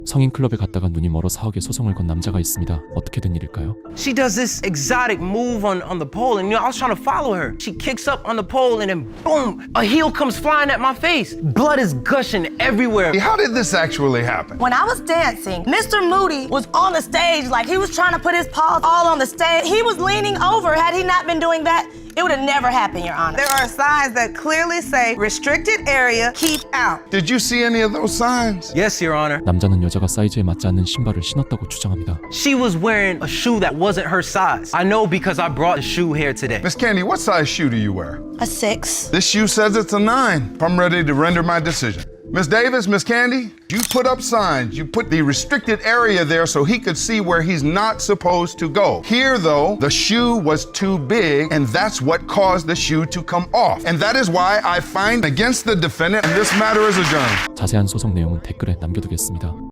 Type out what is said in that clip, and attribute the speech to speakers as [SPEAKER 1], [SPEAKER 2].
[SPEAKER 1] 성인 클럽에 갔다가 눈이 멀어 사억에 소송을 건 남자가 있습니다. 어떻게 된 일일까요?
[SPEAKER 2] She does this exotic move on the pole, and I was trying to follow her. She kicks up on the pole, and then boom, a heel comes flying at my face. Blood is gushing everywhere.
[SPEAKER 3] How did this actually happen?
[SPEAKER 4] When I was dancing, Mr. Moody was on the stage like he was trying to put his paws all on the stage. He was leaning over. Had he not been doing that, it would have never happened, Your Honor.
[SPEAKER 5] There are signs that clearly say restricted area, keep out.
[SPEAKER 3] Did you see any of those signs?
[SPEAKER 2] Yes, Your Honor.
[SPEAKER 1] 남자는 여자가 사이즈에 맞지 않는 신발을 신었다고 주장합니다.
[SPEAKER 2] She was wearing a shoe that wasn't her size. I know because I brought the shoe here today.
[SPEAKER 3] Miss Candy, what size shoe do you wear?
[SPEAKER 4] A 6.
[SPEAKER 3] This shoe says it's a 9. I'm ready to render my decision. Miss Davis, Miss Candy, you put up signs. You put the restricted area there so he could see where he's not supposed to go. Here, though, the shoe was too big, and that's what caused the shoe to come off. And that is why I find against the defendant, and this matter is adjourned.
[SPEAKER 1] 자세한 소송 내용은 댓글에 남겨두겠습니다.